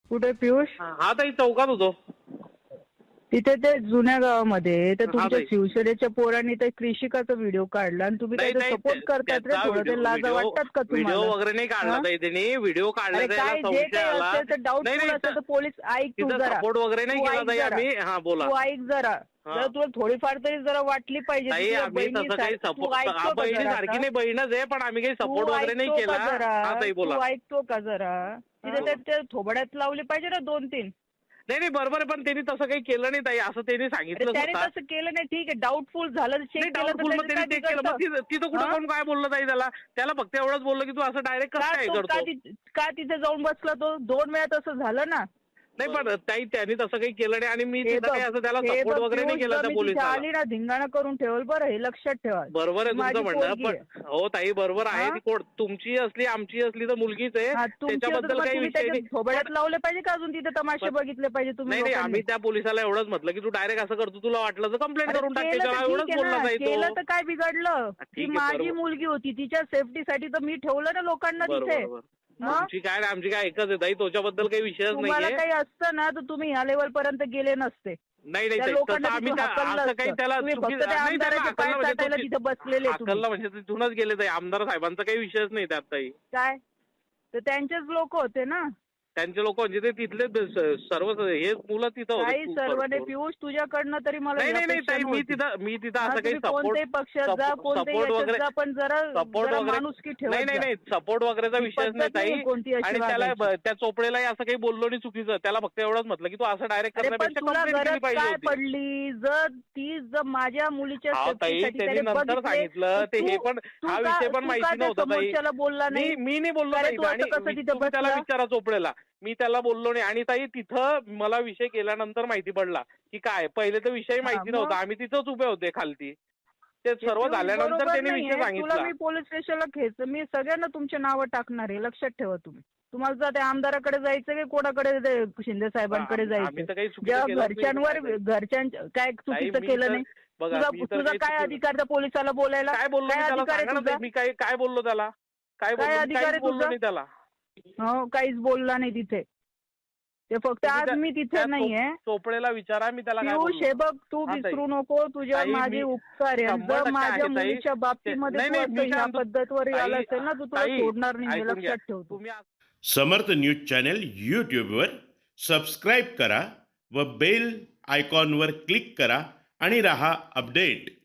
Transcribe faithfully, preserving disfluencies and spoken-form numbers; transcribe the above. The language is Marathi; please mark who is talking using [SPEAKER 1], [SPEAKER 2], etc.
[SPEAKER 1] कुठे पियुष?
[SPEAKER 2] हा ताई चौकात होतो.
[SPEAKER 1] तिथे ते जुन्या गावामध्ये तर
[SPEAKER 2] हा
[SPEAKER 1] तुमच्या
[SPEAKER 2] ताई.
[SPEAKER 1] शिवसेनेच्या पोरांनी ते कृषिकाचा व्हिडिओ काढला आणि तुम्ही
[SPEAKER 2] नाही
[SPEAKER 1] काय
[SPEAKER 2] ताई
[SPEAKER 1] सपोर्ट करतात रे?
[SPEAKER 2] त्याचा
[SPEAKER 1] थोडं ते
[SPEAKER 2] व्हिडिओ
[SPEAKER 1] लाजा
[SPEAKER 2] व्हिडिओ
[SPEAKER 1] वाटतात का
[SPEAKER 2] व्हिडिओ
[SPEAKER 1] तुम्हाला?
[SPEAKER 2] वगैरे नाही काढला
[SPEAKER 1] हा?
[SPEAKER 2] ताई त्यांनी. व्हिडिओ काढला
[SPEAKER 1] अरे
[SPEAKER 2] त्याला
[SPEAKER 1] काय जे
[SPEAKER 2] संशय
[SPEAKER 1] काही
[SPEAKER 2] आला.
[SPEAKER 1] असेल तर
[SPEAKER 2] नाही
[SPEAKER 1] डाऊटफुल
[SPEAKER 2] नाही
[SPEAKER 1] असेल तर पोलीस ऐक तू
[SPEAKER 2] तिथं
[SPEAKER 1] जरा.
[SPEAKER 2] सपोर्ट वगैरे नाही
[SPEAKER 1] तू
[SPEAKER 2] केला
[SPEAKER 1] ऐक
[SPEAKER 2] ताई
[SPEAKER 1] जरा.
[SPEAKER 2] आम्ही. हा बोला.
[SPEAKER 1] तू ऐक जरा.
[SPEAKER 2] हा.
[SPEAKER 1] जर तुला थोडीफार तरी जरा वाटली पाहिजे
[SPEAKER 2] ताई
[SPEAKER 1] तुझ्या
[SPEAKER 2] आम्ही तसं काही
[SPEAKER 1] बहिणीसारखी. तू
[SPEAKER 2] सपोर्ट
[SPEAKER 1] ऐकतो का
[SPEAKER 2] बहिणी
[SPEAKER 1] जरा
[SPEAKER 2] सारखी
[SPEAKER 1] आता?
[SPEAKER 2] नाही, बहीणच आहे, पण आम्ही काही
[SPEAKER 1] तू
[SPEAKER 2] सपोर्ट वगैरे नाही
[SPEAKER 1] ऐकतो
[SPEAKER 2] केला.
[SPEAKER 1] का जरा?
[SPEAKER 2] हा ताई बोला.
[SPEAKER 1] तू ऐकतो का जरा? तिथे
[SPEAKER 2] हा.
[SPEAKER 1] ते ते थोबड्यात लावली पाहिजे ना दोन तीन.
[SPEAKER 2] नाही नाही बरोबर आहे, पण त्यांनी तसं काही केलं नाही ताई. असं त्यांनी
[SPEAKER 1] अरे
[SPEAKER 2] सांगितलं
[SPEAKER 1] त्याने
[SPEAKER 2] स्वतः.
[SPEAKER 1] तसं केलं नाही. ठीक आहे डाऊटफुल झालं चेक
[SPEAKER 2] नाही
[SPEAKER 1] केलं तर
[SPEAKER 2] डाऊटफुल मग
[SPEAKER 1] त्याचं काय
[SPEAKER 2] त्यांनी चेक केलं. मग
[SPEAKER 1] बिघडतं?
[SPEAKER 2] तिथं तिथं कुठं
[SPEAKER 1] हा?
[SPEAKER 2] कोण काय बोललं ताई त्याला? त्याला फक्त एवढंच बोललं की तू असं डायरेक्ट कसं
[SPEAKER 1] का
[SPEAKER 2] काय
[SPEAKER 1] तो का
[SPEAKER 2] करतो.
[SPEAKER 1] ति- का तिथे जाऊन बसला तो? दोन वेळा तसं झालं ना.
[SPEAKER 2] नाही पण ताई त्यांनी तसं काही केलं नाही आणि मी
[SPEAKER 1] हे
[SPEAKER 2] तिथं
[SPEAKER 1] बघ
[SPEAKER 2] काही असं त्याला
[SPEAKER 1] हे
[SPEAKER 2] सपोर्ट
[SPEAKER 1] बघ
[SPEAKER 2] वगैरे नाही
[SPEAKER 1] पियुष,
[SPEAKER 2] केला
[SPEAKER 1] जर
[SPEAKER 2] त्या
[SPEAKER 1] मी तिथे
[SPEAKER 2] पोलिसाला.
[SPEAKER 1] आली ना धिंगाणा करून ठेवल बरं, हे लक्षात ठेवा.
[SPEAKER 2] बरोबर आहे
[SPEAKER 1] ती माझी
[SPEAKER 2] तुमचं म्हणणं,
[SPEAKER 1] पोरगी
[SPEAKER 2] पण
[SPEAKER 1] आहे.
[SPEAKER 2] हो ताई बरोबर आहे.
[SPEAKER 1] हा?
[SPEAKER 2] ती कोण तुमची असली आमची असली तर मुलगीच आहे.
[SPEAKER 1] हा, तुमची असेल
[SPEAKER 2] त्याच्याबद्दल
[SPEAKER 1] तर
[SPEAKER 2] काही
[SPEAKER 1] तुम्ही
[SPEAKER 2] विषय
[SPEAKER 1] त्याच्या
[SPEAKER 2] नाही.
[SPEAKER 1] थोबड्यात
[SPEAKER 2] पण-
[SPEAKER 1] लावले पाहिजे का अजून तिथे तमाशे
[SPEAKER 2] पण-
[SPEAKER 1] बघितले पाहिजे तुम्ही
[SPEAKER 2] नाही नाही
[SPEAKER 1] लोकांनी?
[SPEAKER 2] आम्ही त्या पोलिसाला एवढंच म्हटलं की तू डायरेक्ट असं करतो, तुला वाटलं तर कंप्लेंट
[SPEAKER 1] अरे
[SPEAKER 2] करून टाक
[SPEAKER 1] केलं
[SPEAKER 2] त्याच्यावर.
[SPEAKER 1] तर
[SPEAKER 2] एवढंच
[SPEAKER 1] ठीक आहे
[SPEAKER 2] बोलला
[SPEAKER 1] ना.
[SPEAKER 2] ताई
[SPEAKER 1] केलं
[SPEAKER 2] तो.
[SPEAKER 1] तर काय बिघडलं? ती
[SPEAKER 2] ठीक आहे,
[SPEAKER 1] माझी
[SPEAKER 2] बरोबर.
[SPEAKER 1] मुलगी होती, तिच्या सेफ्टीसाठी तर मी ठेवलं ना लोकांना तिथे.
[SPEAKER 2] बरोबर बरोबर.
[SPEAKER 1] मग
[SPEAKER 2] आमची काय नाही, आमची काय एकच आहे ताई, त्याच्याबद्दल काही विषयच
[SPEAKER 1] तुम्हाला
[SPEAKER 2] नाहीये.
[SPEAKER 1] काही असतं ना तर तुम्ही ह्या लेवल पर्यंत गेले नसते.
[SPEAKER 2] नाही नाही
[SPEAKER 1] त्या
[SPEAKER 2] ताई,
[SPEAKER 1] लोकांना
[SPEAKER 2] तसं आम्ही
[SPEAKER 1] तिथून
[SPEAKER 2] त्या-
[SPEAKER 1] हाकललं
[SPEAKER 2] असं काही
[SPEAKER 1] असतं.
[SPEAKER 2] त्याला
[SPEAKER 1] तुम्ही
[SPEAKER 2] चुकी-
[SPEAKER 1] फक्त त्या
[SPEAKER 2] नाही त्याला
[SPEAKER 1] आमदाराचे पाय
[SPEAKER 2] हाकललं म्हणजे
[SPEAKER 1] चाटायला
[SPEAKER 2] तो-
[SPEAKER 1] तिथे बसलेले तुम्ही.
[SPEAKER 2] हाकललं म्हणजे तिथूनच गेले ताई. आमदार साहेबांचा काही विषयच नाही त्यात ताई.
[SPEAKER 1] काय? तर त्यांचेच लोक होते ना.
[SPEAKER 2] त्यांचे लोक म्हणजे ते तिथले ब- स- सर्व हे मुलं तिथं
[SPEAKER 1] काही
[SPEAKER 2] होते.
[SPEAKER 1] सर्वने पियुष तुझ्याकडनं तरी मला
[SPEAKER 2] नाही
[SPEAKER 1] ही
[SPEAKER 2] नाही नाही
[SPEAKER 1] अपेक्षा
[SPEAKER 2] ताई, मी
[SPEAKER 1] नव्हती.
[SPEAKER 2] तिथं मी तिथं
[SPEAKER 1] हा,
[SPEAKER 2] असं काही
[SPEAKER 1] तुम्ही कोणत्याही
[SPEAKER 2] सपोर्ट
[SPEAKER 1] पक्षात जा, कोणत्याही
[SPEAKER 2] सपोर्ट
[SPEAKER 1] याच्यात
[SPEAKER 2] वगैरे
[SPEAKER 1] जा, पण जरा
[SPEAKER 2] सपोर्ट
[SPEAKER 1] जरा
[SPEAKER 2] वगैरे
[SPEAKER 1] माणुसकी ठेवत
[SPEAKER 2] नाही नाही
[SPEAKER 1] जा.
[SPEAKER 2] नाही सपोर्ट वगैरेचा
[SPEAKER 1] ही
[SPEAKER 2] विषयच
[SPEAKER 1] पद्धत
[SPEAKER 2] नाही ताई.
[SPEAKER 1] नाहीये कोणती अशी
[SPEAKER 2] आणि त्याला
[SPEAKER 1] वागायची.
[SPEAKER 2] ब- त्या चोपडेलाही असं काही बोललो नाही चुकीचं. त्याला फक्त एवढंच म्हटलं की तू असं डायरेक्ट
[SPEAKER 1] अरे पण
[SPEAKER 2] करण्यापेक्षा
[SPEAKER 1] तुला
[SPEAKER 2] कंप्लेंट केली
[SPEAKER 1] गरज
[SPEAKER 2] पाहिजे
[SPEAKER 1] काय
[SPEAKER 2] होती.
[SPEAKER 1] पडली? जर ती जर माझ्या मुलीच्या
[SPEAKER 2] हा ताई
[SPEAKER 1] सेफ्टीसाठी
[SPEAKER 2] त्यांनी
[SPEAKER 1] त्याने
[SPEAKER 2] नंतर
[SPEAKER 1] बघितले,
[SPEAKER 2] सांगितलं
[SPEAKER 1] तर
[SPEAKER 2] ते हे
[SPEAKER 1] तू-
[SPEAKER 2] पण
[SPEAKER 1] तू
[SPEAKER 2] हा
[SPEAKER 1] का-
[SPEAKER 2] विषय पण
[SPEAKER 1] तू
[SPEAKER 2] माहिती
[SPEAKER 1] का त्या
[SPEAKER 2] नव्हता ताई.
[SPEAKER 1] समोरच्याला बोलला
[SPEAKER 2] मी
[SPEAKER 1] नाही?
[SPEAKER 2] मी नाही बोललो
[SPEAKER 1] अरे
[SPEAKER 2] ताई.
[SPEAKER 1] तू असं
[SPEAKER 2] आणि
[SPEAKER 1] कसं
[SPEAKER 2] मी-
[SPEAKER 1] तिथं
[SPEAKER 2] तुम्ही त्याला
[SPEAKER 1] बसला?
[SPEAKER 2] विचारा चोपडेला. मी त्याला बोललो नाही. आणि ताई तिथं मला विषय केल्यानंतर माहिती पडला की काय, पहिले तर विषय माहिती
[SPEAKER 1] मग?
[SPEAKER 2] नव्हता. आम्ही तिथंच उभे होते खालती. ते
[SPEAKER 1] हे
[SPEAKER 2] सर्व
[SPEAKER 1] पियुष
[SPEAKER 2] झाल्यानंतर
[SPEAKER 1] बरोबर
[SPEAKER 2] त्यांनी
[SPEAKER 1] नाहीये.
[SPEAKER 2] विषय
[SPEAKER 1] तुला
[SPEAKER 2] सांगितला.
[SPEAKER 1] मी पोलीस स्टेशनला खेच मी सगळ्यांना तुमची नावं टाकणार आहे, लक्षात ठेवा तुम्ही. तुम्हाला जर त्या आमदाराकडे जायचं की कोणाकडे ते शिंदे साहेबांकडे
[SPEAKER 2] आम्ही- आम्ही तर
[SPEAKER 1] जायचं?
[SPEAKER 2] काही चुकीचं
[SPEAKER 1] जेव्हा
[SPEAKER 2] केलंच नाही
[SPEAKER 1] घरच्यांवर
[SPEAKER 2] ताई.
[SPEAKER 1] घरच्यांच्या काय चुकीचं
[SPEAKER 2] मी
[SPEAKER 1] केलं
[SPEAKER 2] तर-
[SPEAKER 1] नाही?
[SPEAKER 2] बघा
[SPEAKER 1] तुझा
[SPEAKER 2] मी तर
[SPEAKER 1] तुझा
[SPEAKER 2] काही
[SPEAKER 1] काय
[SPEAKER 2] चुकीचं-
[SPEAKER 1] अधिकार त्या पोलिसाला बोलायला?
[SPEAKER 2] काय बोललो
[SPEAKER 1] काय
[SPEAKER 2] मी त्याला?
[SPEAKER 1] अधिकार आहे
[SPEAKER 2] सांगा ना
[SPEAKER 1] तुझा?
[SPEAKER 2] ताई, मी काय काय बोललो त्याला? काय बोललो?
[SPEAKER 1] काय
[SPEAKER 2] मी
[SPEAKER 1] अधिकार
[SPEAKER 2] काहीच
[SPEAKER 1] आहे
[SPEAKER 2] बोललो
[SPEAKER 1] तुझा?
[SPEAKER 2] नाही त्याला.
[SPEAKER 1] हो काहीच बोलला नाही तिथे. ते फक्त
[SPEAKER 2] तुम्ही
[SPEAKER 1] आज
[SPEAKER 2] त्या-
[SPEAKER 1] मी
[SPEAKER 2] त्या
[SPEAKER 1] तिथे
[SPEAKER 2] चो-
[SPEAKER 1] नाहीये.
[SPEAKER 2] चोपडेला विचारा मी त्याला काय
[SPEAKER 1] पियुष
[SPEAKER 2] बोललो.
[SPEAKER 1] हे बघ तू
[SPEAKER 2] हा, ताई.
[SPEAKER 1] विसरू नको, तुझ्या
[SPEAKER 2] ताई,
[SPEAKER 1] माझे
[SPEAKER 2] मी-
[SPEAKER 1] उपकार आहे. आणि
[SPEAKER 2] शंभर
[SPEAKER 1] जर
[SPEAKER 2] टक्के
[SPEAKER 1] माझ्या
[SPEAKER 2] आहे, ताई.
[SPEAKER 1] मुलीच्या बाबतीमध्ये
[SPEAKER 2] नाही,
[SPEAKER 1] तू
[SPEAKER 2] नाही,
[SPEAKER 1] असं
[SPEAKER 2] मी काय
[SPEAKER 1] ह्या
[SPEAKER 2] म्हणतो-
[SPEAKER 1] पद्धतवर
[SPEAKER 2] ताई-
[SPEAKER 1] आला असेल ना, तू तुला
[SPEAKER 2] ताई,
[SPEAKER 1] सोडणार नाही, हे
[SPEAKER 2] ऐकून घ्या.
[SPEAKER 1] लक्षात ठेव तू.
[SPEAKER 2] तुम्ही आज-
[SPEAKER 3] समर्थ न्यूज चॅनल यूट्यूबवर सबस्क्राईब करा व बेल आयकॉनवर क्लिक करा आणि रहा अपडेट.